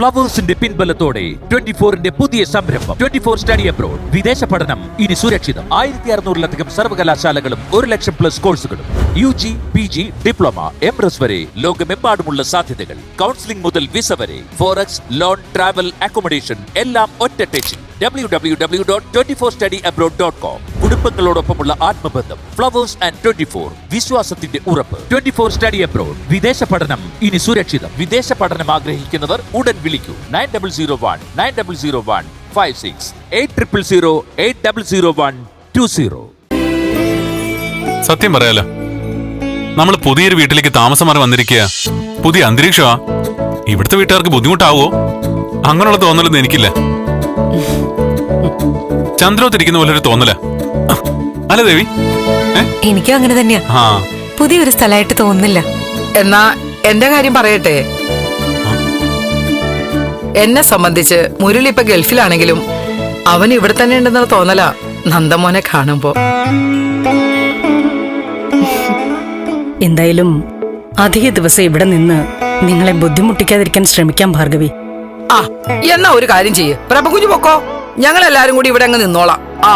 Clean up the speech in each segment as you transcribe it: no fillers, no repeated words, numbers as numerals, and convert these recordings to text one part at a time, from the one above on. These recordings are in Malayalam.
ഫ്ലവേഴ്സിന്റെ പിൻബലത്തോടെ 24-ന്റെ പുതിയ സംരംഭം 24 സ്റ്റഡി അബ്രോഡ്. വിദേശ പഠനം ഇനി സുരക്ഷിതം. 1600-ലധികം സർവകലാശാലകളും 1,00,000+ കോഴ്സുകളും. UG, PG, ഡിപ്ലോമ, MRS വരെ ലോകമെമ്പാടുമുള്ള സാധ്യതകൾ. കൗൺസിലിംഗ് മുതൽ വിസ വരെ. ഫോറക്സ്, ലോൺ, ട്രാവൽ, അക്കോമഡേഷൻ എല്ലാം ഒറ്റ ടെച്ചിൽ. www.24studyabroad.com. കുടുംബങ്ങളോടൊപ്പമുള്ള ആത്മബന്ധം. ഫ്ലവേഴ്സ് ആൻഡ് 24 വിശ്വാസത്തിന്റെ ഉറപ്പ്. 24 സ്റ്റഡി അബ്രോഡ്. വിദേശ പഠനം ഇനി സുരക്ഷിതം. വിദേശ പഠനം ആഗ്രഹിക്കുന്നവർ ഉടൻ വിളിക്കൂ 9001 800 800120. സത്യം പറയാലോ, നമ്മൾ പുതിയൊരു വീട്ടിലേക്ക് താമസം മാറി വന്നിരിക്കുക. പുതിയ അന്തരീക്ഷമാ. ഇവിടുത്തെ വീട്ടുകാർക്ക് ബുദ്ധിമുട്ടാവോ? അങ്ങനെയുള്ള തോന്നലൊന്നും എനിക്കില്ല. ചന്ദ്രോത്തിരിക്കുന്ന പോലെ ഒരു തോന്നല അല്ല ദേവി? എനിക്കും അങ്ങനെ തന്നെയാ. പുതിയൊരു സ്ഥലമായിട്ട് തോന്നുന്നില്ല. എന്നാ എന്റെ കാര്യം പറയട്ടെ. എന്നെ സംബന്ധിച്ച് മുരളി ഇപ്പൊ ഗൾഫിലാണെങ്കിലും അവൻ ഇവിടെ തന്നെ ഉണ്ടെന്നുള്ള തോന്നല നന്ദമോനെ കാണുമ്പോ. എന്തായാലും അധിക ദിവസം ഇവിടെ നിന്ന് നിങ്ങളെ ബുദ്ധിമുട്ടിക്കാതിരിക്കാൻ ശ്രമിക്കാം ഭാർഗവി. ആ എന്നാ ഒരു കാര്യം ചെയ്യ്, പ്രഭകുഞ്ഞു പൊക്കോ. ഞങ്ങൾ എല്ലാരും കൂടി ഇവിടെ അങ്ങ് നിന്നോളാം. ആ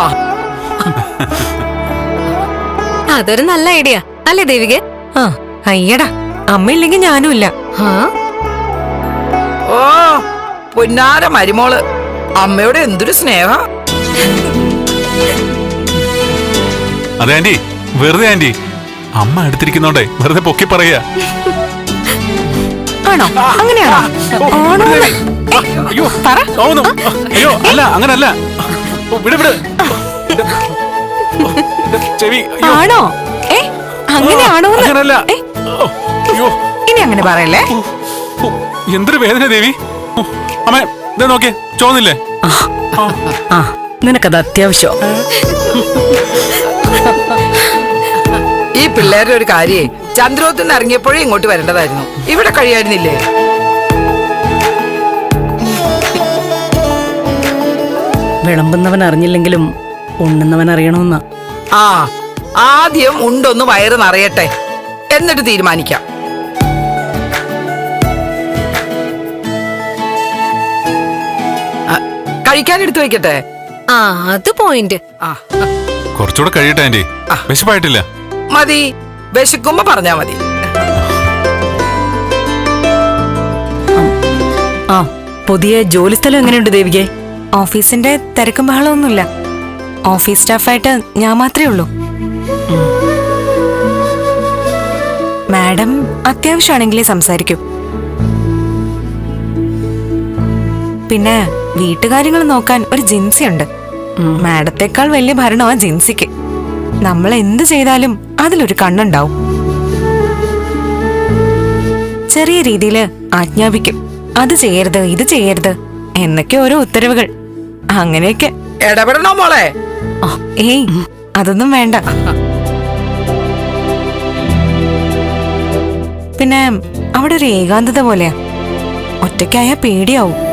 അതൊരു നല്ല ഐഡിയ അല്ലേ ദേവികെ? ആ അയ്യടാ, അമ്മയില്ലെങ്കിൽ ഞാനും ഇല്ല. ഓ പൊന്നാര മരുമോള്, അമ്മയോട് എന്തൊരു സ്നേഹ. അതെ ആന്റി, വെറുതെ ആന്റി. അമ്മ അടുത്തിരിക്കുന്നോണ്ടേ വെറുതെ പൊക്കി പറയാ. ആണോ? അങ്ങനെയാണോ? അയ്യോ അല്ല, അങ്ങനല്ല. ആണോ? അങ്ങനെയാണോ? ഇനി അങ്ങനെ പറയല്ലേ. എന്തൊരു വേദന ദേവി. അമ്മ ഇതാ നോക്കിയേ, ചോന്നില്ലേ? നിനക്കത് അത്യാവശ്യം. ഈ പിള്ളേരുടെ ഒരു കാര്യേ, ചന്ദ്രോത്തിന് ഇറങ്ങിയപ്പോഴേ ഇങ്ങോട്ട് വരേണ്ടതായിരുന്നു. ഇവിടെ കഴിയായിരുന്നില്ലേ? വിളമ്പുന്നവൻ അറിഞ്ഞില്ലെങ്കിലും ഉണ്ണുന്നവൻ അറിയണമെന്ന. ആ ആദ്യം ഉണ്ടൊന്ന് വയറ് നിറയട്ടെ, എന്നിട്ട് തീരുമാനിക്കാം. കഴിക്കാൻ എടുത്തു വെക്കട്ടെ. ആ അത് പോയിന്റ്. കുറച്ചുകൂടെ കഴിയട്ടെ ആന്റി, വിശപ്പായിട്ടില്ല. മതി, വിശക്കുമ്പോ പറഞ്ഞാ മതി. ആ പുതിയ ജോലി സ്ഥലം എങ്ങനെയുണ്ട് ദേവികെ? ഓഫീസിന്റെ തിരക്കും ബഹളമൊന്നുമില്ല. ഓഫീസ് സ്റ്റാഫായിട്ട് ഞാൻ മാത്രമേ ഉള്ളൂ. മാഡം അത്യാവശ്യമാണെങ്കിലേ സംസാരിക്കൂ. പിന്നെ വീട്ടുകാര്യങ്ങൾ നോക്കാൻ ഒരു ജിൻസി ഉണ്ട്. മാഡത്തെക്കാൾ വലിയ ഭരണമാ ജിൻസിക്ക്. നമ്മൾ എന്ത് ചെയ്താലും അതിലൊരു കണ്ണുണ്ടാവും. ചെറിയ രീതിയിൽ ആജ്ഞാപിക്കും. അത് ചെയ്യരുത്, ഇത് ചെയ്യരുത് എന്നൊക്കെ ഓരോ ഉത്തരവുകൾ. അങ്ങനെയൊക്കെ. ഇടപെടണോ മോളെ? ഏയ് അതൊന്നും വേണ്ട. പിന്നെ അവിടെ ഒരു ഏകാന്തത പോലെയാ. ഒറ്റയ്ക്കായ പേടിയാവും.